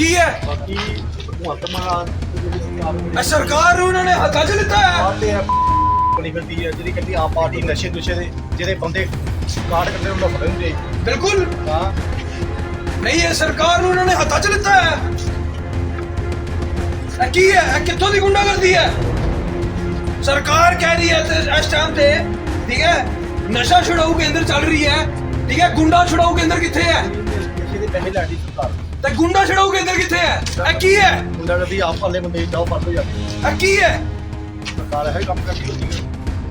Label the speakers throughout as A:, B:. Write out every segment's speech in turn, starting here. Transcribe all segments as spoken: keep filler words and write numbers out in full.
A: की है
B: ਬਾਕੀ ਭਗਵੰਤ ਮਾਨ
A: ਇਹ ਸਰਕਾਰ ਨੂੰ ਉਹਨਾਂ ਨੇ ਹੱਥਾਂ 'ਚ ਲਿੱਤਾ ਹੈ।
B: ਬਣੀ ਫਿਰਦੀ ਹੈ ਜਿਹੜੀ ਕਹਿੰਦੀ ਆਪ ਪਾਰਟੀ ਨਸ਼ੇ ਨੁਸ਼ੇ ਦੇ ਜਿਹੜੇ ਬੰਦੇ ਕਾਟ ਕਰਦੇ ਉਹਨਾਂ ਨੂੰ ਫੜਨਗੇ।
A: ਬਿਲਕੁਲ
B: ਹਾਂ
A: ਨਹੀਂ, ਇਹ ਸਰਕਾਰ ਨੂੰ ਉਹਨਾਂ ਨੇ ਹੱਥਾਂ 'ਚ ਲਿੱਤਾ ਹੈ। ਇਹ ਕੀ ਹੈ? ਇਹ ਕਿੱਥੋਂ ਦੀ ਗੁੰਡਾਗਰਦੀ ਹੈ? ਸਰਕਾਰ ਕਹਿ ਰਹੀ ਹੈ ਤੇ ਇਸ ਟਾਈਮ ਤੇ ਠੀਕ ਹੈ ਨਸ਼ਾ ਛੁਡਾਊ ਕੇਂਦਰ ਚੱਲ ਰਹੀ ਹੈ, ਠੀਕ ਹੈ, ਗੁੰਡਾ ਛੁਡਾਊ ਕੇਂਦਰ ਕਿੱਥੇ ਹੈ?
B: ਨਸ਼ੇ ਦੇ ਪੈਸੇ ਲੈਣੀ ਸਰਕਾਰ
A: ਤੇ ਗੁੰਡਾ ਛੁਡਾਊ ਕੇਂਦਰ ਕਿੱਥੇ ਹੈ? ਇਹ ਕੀ ਹੈ?
B: ਮੁੰਡਾ ਕਹਿੰਦੀ ਆਪ ਵਾਲੇ ਬੰਦੇ ਜਾਓ ਫੜ ਲਓ ਜਾਂਦੇ
A: ਇਹ ਕੀ ਹੈ?
B: ਸਰਕਾਰ ਇਹ ਕੰਮ ਕਰਦੀ ਹੁੰਦੀ ਹੈ।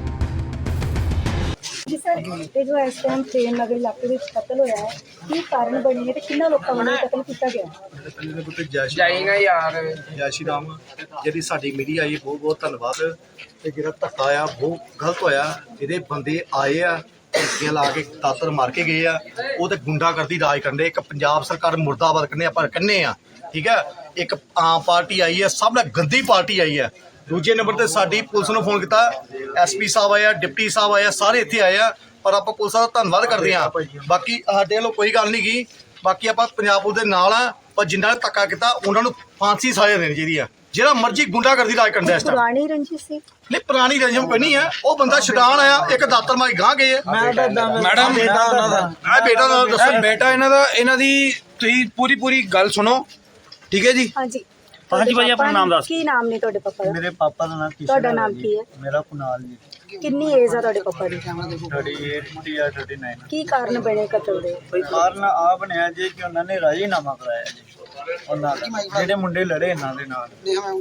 C: ਜੀ ਸਰ, ਇਹ ਜੋ ਇਸ ਟਾਈਮ ਪ੍ਰੇਮ ਨਗਰ ਇਲਾਕੇ ਵਿੱਚ ਕਤਲ ਹੋਇਆ ਹੈ, ਕੀ ਕਾਰਨ ਬਣੀ ਹੈ ਤੇ ਕਿੰਨਾ ਲੋਕਾਂ ਵੱਲੋਂ ਕਤਲ ਕੀਤਾ ਗਿਆ?
B: ਪਹਿਲੇ ਦੇ ਪੁੱਤੇ ਜੈ ਜਾਏਗਾ ਯਾਰ ਜੈ ਸ਼੍ਰੀ ਰਾਮ। ਜਿਹੜੀ ਸਾਡੀ ਮੀਡੀਆ ਆਈ ਬਹੁਤ ਬਹੁਤ ਧੰਨਵਾਦ। ਤੇ ਜਿਹੜਾ ਧੱਕਾ ਆ ਬਹੁਤ ਗਲਤ ਹੋਇਆ। ਜਿਹੜੇ ਬੰਦੇ ਆਏ ਆ ਟੀਆਂ ਲਾ ਕੇ ਦਾਤਰ ਮਾਰ ਕੇ ਗਏ ਆ, ਉਹ ਤੇ ਗੁੰਡਾਗਰਦੀ ਰਾਜ ਕਰਦੇ। ਇੱਕ ਪੰਜਾਬ ਸਰਕਾਰ ਮੁਰਦਾਬਾਦ ਕਰਨੇ ਆਪਾਂ ਕਹਿੰਦੇ ਆ, ਠੀਕ ਹੈ। ਇੱਕ ਆਮ ਪਾਰਟੀ ਆਈ ਹੈ, ਸਭ ਨਾਲ ਗੰਦੀ ਪਾਰਟੀ ਆਈ ਹੈ। ਦੂਜੇ ਨੰਬਰ ਤੇ ਸਾਡੀ ਪੁਲਿਸ ਨੂੰ ਫੋਨ ਕੀਤਾ, ਐਸ ਪੀ ਸਾਹਿਬ ਆਇਆ, ਡਿਪਟੀ ਸਾਹਿਬ ਆਇਆ, ਸਾਰੇ ਇੱਥੇ ਆਏ ਆ। ਪਰ ਆਪਾਂ ਪੁਲਿਸ ਦਾ ਧੰਨਵਾਦ ਕਰਦੇ ਹਾਂ। ਬਾਕੀ ਸਾਡੇ ਵੱਲੋਂ ਕੋਈ ਗੱਲ ਨਹੀਂ ਗਈ। ਬਾਕੀ ਆਪਾਂ ਪੰਜਾਬ ਪੁਲਿਸ ਦੇ ਨਾਲ ਆ, ਪਰ ਜਿਨ੍ਹਾਂ ਨੇ ਧੱਕਾ ਕੀਤਾ ਉਹਨਾਂ ਨੂੰ ਫਾਂਸੀ ਸਜ਼ਾ ਦੇਣੀ ਚਾਹੀਦੀ ਆ। ਜਿਹੜਾ ਮਰਜ਼ੀ ਗੁੰਡਾਗਰਦੀ ਰਾਜ ਕਰਦਾ ਇਸ ਟਾਈਮ।
C: ਪੁਰਾਣੀ ਰੰਜਿਸ਼ ਸੀ?
B: ਨਹੀਂ, ਪੁਰਾਣੀ ਰੰਜਮ ਕੋਈ ਨਹੀਂ ਹੈ। ਉਹ ਬੰਦਾ ਛਡਾਣ ਆਇਆ, ਇੱਕ ਦਾਤਰ ਮਾਰੀ ਗਾਂ ਗਏ ਆ।
A: ਮੈਡਮ ਬੇਟਾ ਉਹਨਾਂ ਦਾ
B: ਇਹ ਬੇਟਾ ਦਾ ਦੱਸੋ।
A: ਇਹ ਬੇਟਾ ਇਹਨਾਂ ਦਾ, ਇਹਨਾਂ ਦੀ ਤੁਸੀਂ ਪੂਰੀ ਪੂਰੀ ਗੱਲ ਸੁਣੋ, ਠੀਕ ਹੈ ਜੀ।
C: ਹਾਂਜੀ
D: ਹਾਂਜੀ ਭਾਈ, ਆਪਣਾ ਨਾਮ ਦੱਸ।
C: ਕੀ ਨਾਮ ਨੇ ਤੁਹਾਡੇ ਪਾਪਾ ਦਾ?
D: ਮੇਰੇ ਪਾਪਾ ਦਾ ਨਾਮ ਕਿਸ਼ਨ
C: ਤੁਹਾਡਾ ਨਾਮ ਕੀ ਹੈ?
D: ਮੇਰਾ ਕੁਨਾਲ ਜੀ।
C: ਕਿੰਨੀ ਏਜ ਆ ਤੁਹਾਡੇ ਪਾਪਾ ਦੀ?
D: ਥਰਟੀ ਏਟ ਜਾਂ ਥਰਟੀ ਨਾਈਨ।
C: ਕੀ ਕਾਰਨ ਬਣੇ ਕਤਲ ਦੇ?
D: ਕੋਈ ਕਾਰਨ ਆ ਬਣਿਆ ਜੀ ਕਿ ਉਹਨਾਂ ਨੇ ਰਾਜੀਨਾਮਾ ਕਰਾਇਆ ਜੀ ਉਹਨਾਂ ਦਾ, ਜਿਹੜੇ ਮੁੰਡੇ ਲੜੇ ਇਹਨਾਂ ਦੇ ਨਾਲ।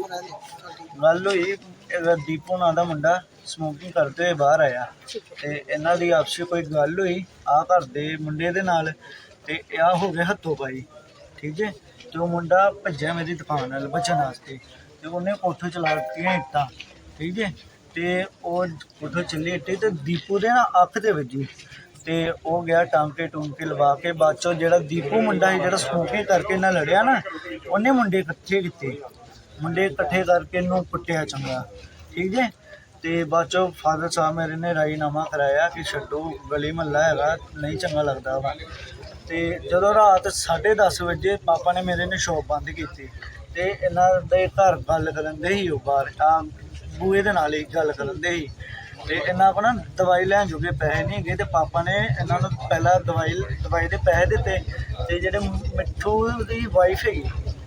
D: ਗੱਲ ਹੋਈ, ਇਹਦਾ ਦੀਪੂ ਨਾਂ ਦਾ ਮੁੰਡਾ ਸਮੋਕਿੰਗ ਕਰਦੇ ਹੋਏ ਬਾਹਰ ਆਇਆ ਤੇ ਇਹਨਾਂ ਦੀ ਆਪਸੀ ਕੋਈ ਗੱਲ ਹੋਈ ਆ ਘਰ ਦੇ ਮੁੰਡੇ ਦੇ ਨਾਲ, ਤੇ ਆ ਹੋ ਗਿਆ ਹੱਥੋਂ ਪਾਈ, ਠੀਕ ਹੈ। ਤੇ ਉਹ ਮੁੰਡਾ ਭੱਜਿਆ ਮੇਰੀ ਦੁਕਾਨ ਨਾਲ ਬਚਣ ਵਾਸਤੇ, ਤੇ ਉਹਨੇ ਕੋਠੇ ਚਲਾ ਦਿੱਤੀਆਂ ਇੱਟਾਂ, ਠੀਕ ਹੈ। ਤੇ ਉਹ ਕੋਠੇ ਚੱਲੀ ਇੱਟੇ ਤੇ ਦੀਪੂ ਦੇ ਨਾ ਅੱਖ ਦੇ ਵੱਜੀ, ਤੇ ਉਹ ਗਿਆ ਟਾਂਕੇ ਟੂੰਕੇ ਲਵਾ ਕੇ। ਬਾਅਦ ਚੋਂ ਜਿਹੜਾ ਦੀਪੂ ਮੁੰਡਾ ਸੀ ਜਿਹੜਾ ਸਮੋਕਿੰਗ ਕਰਕੇ ਨਾਲ ਲੜਿਆ ਨਾ, ਉਹਨੇ ਮੁੰਡੇ ਇਕੱਠੇ ਕੀਤੇ, ਮੁੰਡੇ ਇਕੱਠੇ ਕਰਕੇ ਇਹਨੂੰ ਕੁੱਟਿਆ ਚੰਗਾ, ਠੀਕ ਹੈ। ਤੇ ਬਾਅਦ ਚੋਂ ਫਾਦਰ ਸਾਹਿਬ ਮੇਰੇ ਨੇ ਰਾਜੀਨਾਮਾ ਕਰਾਇਆ ਕਿ ਛੱਡੋ, ਗਲੀ ਮਹੱਲਾ ਹੈਗਾ, ਨਹੀਂ ਚੰਗਾ ਲੱਗਦਾ ਵਾ। ਤੇ ਜਦੋਂ ਰਾਤ ਸਾਢੇ ਦਸ ਵਜੇ ਪਾਪਾ ਨੇ ਮੇਰੇ ਨੇ ਸ਼ੋਪ ਬੰਦ ਕੀਤੀ, ਤੇ ਇਹਨਾਂ ਦੇ ਘਰ ਗੱਲ ਕਰਨ ਦੇ ਹੀ ਉਹ ਬਾਹਰ ਆ ਬੂਹੇ ਦੇ ਨਾਲ ਹੀ ਗੱਲ ਕਰਨ ਦੇ ਹੀ। ਤੇ ਇਹਨਾਂ ਕੋਲ ਨਾ ਦਵਾਈ ਲੈਣ ਜੋਗੇ ਪੈਸੇ ਨਹੀਂ ਹੈਗੇ, ਤੇ ਪਾਪਾ ਨੇ ਇਹਨਾਂ ਨੂੰ ਪਹਿਲਾਂ ਦਵਾਈ ਦਵਾਈ ਦੇ ਪੈਸੇ ਦਿੱਤੇ। ਤੇ ਜਿਹੜੇ ਮਿੱਠੂ ਦੀ ਵਾਈਫ ਹੈਗੀ,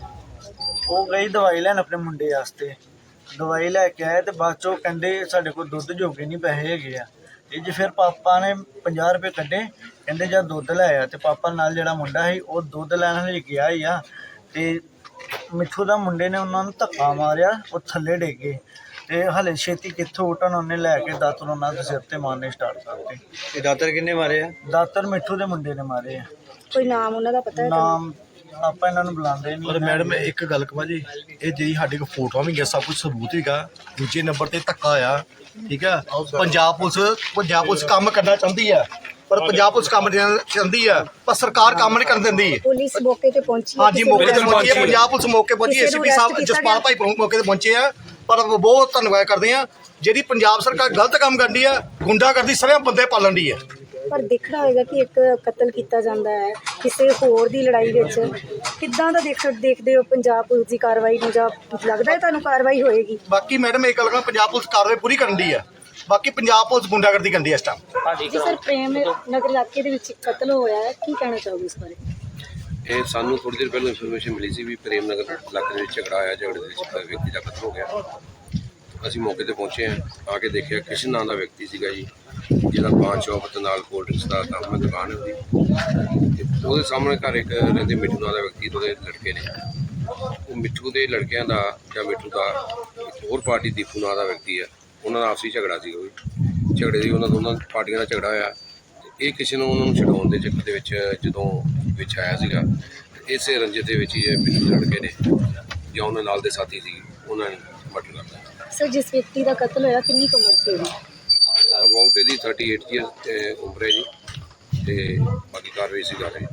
D: ਉਹ ਗਈ ਦਵਾਈ ਲੈਣ ਆਪਣੇ ਮੁੰਡੇ ਵਾਸਤੇ, ਦਵਾਈ ਲੈ ਕੇ ਆਏ। ਤੇ ਬਾਅਦ ਚੋਂ ਕਹਿੰਦੇ ਸਾਡੇ ਕੋਲ ਦੁੱਧ ਜੋਗੇ ਨਹੀਂ ਪੈਸੇ ਹੈਗੇ ਆ। ਇਹ ਜੀ ਫਿਰ ਪਾਪਾ ਨੇ ਪੰਜਾਹ ਰੁਪਏ ਕੱਢੇ, ਕਹਿੰਦੇ ਜਦ ਦੁੱਧ ਲੈ ਆਇਆ। ਤੇ ਪਾਪਾ ਨਾਲ ਜਿਹੜਾ ਮੁੰਡਾ ਸੀ ਉਹ ਦੁੱਧ ਲੈਣ ਲਈ ਗਿਆ ਹੀ ਆ, ਤੇ ਮਿੱਠੂ ਦਾ ਮੁੰਡੇ ਨੇ ਉਹਨਾਂ ਨੂੰ ਧੱਕਾ ਮਾਰਿਆ, ਉਹ ਥੱਲੇ ਡਿੱਗ ਗਏ। ਤੇ ਹਲੇ ਛੇਤੀ ਕਿੱਥੋਂ ਉੱਠਣ, ਉਹਨੇ ਲੈ ਕੇ ਦਾਤਰ ਉਹਨਾਂ ਦੇ ਸਿਰ ਤੇ ਮਾਰਨੇ ਸਟਾਰਟ ਕਰਤੇ।
B: ਇਹ ਦਾਤਰ ਕਿੰਨੇ ਮਾਰੇ ਆ?
D: ਦਾਤਰ ਮਿੱਠੂ ਦੇ ਮੁੰਡੇ ਨੇ ਮਾਰੇ ਆ।
C: ਕੋਈ ਨਾਮ ਉਹਨਾਂ ਦਾ ਪਤਾ ਹੈ?
D: ਨਾਮ ਆਪਾਂ ਇਹਨਾਂ ਨੂੰ ਬੁਲਾਉਂਦੇ ਨਹੀਂ।
B: ਪਰ ਮੈਡਮ ਇੱਕ ਗੱਲ ਕਹਾਂ ਜੀ, ਇਹ ਜਿਹੜੀ ਸਾਡੇ ਕੋਲ ਫੋਟੋਆਂ ਵੀ ਗਿਆ, ਸਭ ਕੁਝ ਸਬੂਤ ਹੈਗਾ। ਦੂਜੇ ਨੰਬਰ ਤੇ ਧੱਕਾ ਆ, ਠੀਕ ਆ। ਪੰਜਾਬ ਪੁਲਿਸ ਪੰਜਾਬ ਪੁਲਿਸ ਕੰਮ ਕਰਨਾ ਚਾਹੁੰਦੀ ਆ, ਪਰ ਪੰਜਾਬ ਪੁਲਿਸ ਕੰਮ ਨਹੀਂ ਚਾਹੁੰਦੀ ਆ, ਪਰ ਸਰਕਾਰ ਕੰਮ ਨਹੀਂ ਕਰਨ ਦਿੰਦੀ।
C: ਪੁਲਿਸ ਮੌਕੇ ਤੇ ਪਹੁੰਚੀ ਹੈ?
B: ਹਾਂਜੀ, ਮੌਕੇ ਤੇ ਪਹੁੰਚੀ ਹੈ ਪੰਜਾਬ ਪੁਲਿਸ, ਮੌਕੇ ਪਹੁੰਚੀ। ਐਸਪੀ ਸਾਹਿਬ ਜਸਪਾਲ ਭਾਈ ਮੌਕੇ ਤੇ ਪਹੁੰਚੇ ਆ। ਪਰ ਬਹੁਤ ਧੰਨਵਾਦ ਕਰਦੇ ਆ, ਜਿਹੜੀ ਪੰਜਾਬ ਸਰਕਾਰ ਗਲਤ ਕੰਮ ਕਰਦੀ ਆ, ਗੁੰਡਾ ਕਰਦੀ, ਸਾਰੇ ਬੰਦੇ ਪਾਲਣ ਦੀ ਆ।
C: ਪਰ ਦੇਖਣਾ ਹੋਏਗਾ ਕਿ ਇੱਕ ਕਤਲ ਕੀਤਾ ਜਾਂਦਾ ਹੈ ਕਿਸੇ ਹੋਰ ਦੀ ਲੜਾਈ ਵਿੱਚ, ਕਿੱਦਾਂ ਦਾ ਦੇਖ ਦੇਖਦੇ ਹੋ ਪੰਜਾਬ ਪੁਲਿਸ ਦੀ ਕਾਰਵਾਈ ਨੂੰ, ਜਾਂ ਲੱਗਦਾ ਹੈ ਤੁਹਾਨੂੰ ਕਾਰਵਾਈ ਹੋਏਗੀ?
B: ਬਾਕੀ ਮੈਡਮ ਇਹ ਗੱਲ ਕਹਾਂ, ਪੰਜਾਬ ਪੁਲਿਸ ਕਾਰਵਾਈ ਪੂਰੀ ਕਰਨ ਦੀ ਆ। ਬਾਕੀ ਪੰਜਾਬ ਪੁਲਿਸ ਗੁੰਡਾਗਰਦੀ ਕਰਦੀ ਆ ਇਸ ਟਾਈਮ।
C: ਜੀ ਸਰ, ਪ੍ਰੇਮ ਨਗਰ ਇਲਾਕੇ ਦੇ ਵਿੱਚ ਕਤਲ ਹੋਇਆ ਹੈ, ਕੀ ਕਹਿਣਾ ਚਾਹੋਗੇ ਇਸ ਬਾਰੇ?
E: ਇਹ ਸਾਨੂੰ ਥੋੜੀ ਦੇਰ ਪਹਿਲਾਂ ਇਨਫੋਰਮੇਸ਼ਨ ਮਿਲੀ ਸੀ ਵੀ ਪ੍ਰੇਮ ਨਗਰ ਇਲਾਕੇ ਦੇ ਵਿੱਚ ਝਗੜਾ ਆਇਆ, ਝਗੜੇ ਦੇ ਵਿੱਚ ਵਿਅਕਤੀ ਦਾ ਕਤਲ ਹੋ ਗਿਆ। ਅਸੀਂ ਮੌਕੇ ਤੇ ਪਹੁੰਚੇ ਹਾਂ, ਆ ਕੇ ਦੇਖਿਆ ਕਿਸ਼ਨ ਨਾਂ ਦਾ ਵਿਅਕਤੀ ਸੀਗਾ ਜੀ, ਜਿਹਦਾ ਪਾਨ ਸ਼ੌਪ ਤੇ ਨਾਲ ਕੋਲਡ ਡਰਿੰਕਸ ਦਾ ਕੰਮ ਦੁਕਾਨ ਹੈ ਉਹਦੀ। ਉਹਦੇ ਸਾਹਮਣੇ ਘਰ ਇੱਕ ਰਹਿੰਦੇ ਮਿੱਠੂ ਨਾਂ ਦਾ ਵਿਅਕਤੀ, ਉਹਦੇ ਲੜਕੇ ਨੇ। ਉਹ ਮਿੱਠੂ ਦੇ ਲੜਕਿਆਂ ਦਾ ਜਾਂ ਮਿੱਠੂ ਦਾ ਇੱਕ ਹੋਰ ਪਾਰਟੀ ਦੀਪੂ ਨਾਂ ਦਾ ਵਿਅਕਤੀ ਹੈ, ਉਹਨਾਂ ਦਾ ਆਪਸੀ ਝਗੜਾ ਸੀਗਾ। ਉਹ ਝਗੜੇ ਦੀ ਉਹਨਾਂ ਦੋਨਾਂ ਪਾਰਟੀਆਂ ਦਾ ਝਗੜਾ ਹੋਇਆ। ਇਹ ਕਿਸੇ ਨੂੰ ਉਹਨਾਂ ਨੂੰ ਛਡਾਉਣ ਦੇ ਚੱਕਰ ਦੇ ਵਿੱਚ ਜਦੋਂ ਵਿੱਚ ਆਇਆ ਸੀਗਾ, ਇਸੇ ਰੰਜਿਸ਼ ਦੇ ਵਿੱਚ ਹੀ ਇਹ ਮਿੱਠੂ ਦੇ ਲੜਕੇ ਨੇ ਜਾਂ ਉਹਨਾਂ ਨਾਲ ਦੇ ਸਾਥੀ ਸੀ, ਉਹਨਾਂ ਨੇ ਮਰਡਰ ਕਰ ਦਿੱਤਾ।
C: ਸਰ, ਜਿਸ ਵਿਅਕਤੀ ਦਾ ਕਤਲ ਹੋਇਆ ਕਿੰਨੀ ਕੁ ਉਮਰ ਸੀ ਉਹਦੀ?
E: ਅਬਾਊਟ ਇਹਦੀ ਥਰਟੀ ਏਟ ਈਅਰ ਉਮਰ ਹੈ ਜੀ, ਤੇ ਬਾਕੀ ਕਾਰਵਾਈ ਸੀ ਕਰ ਰਹੇ।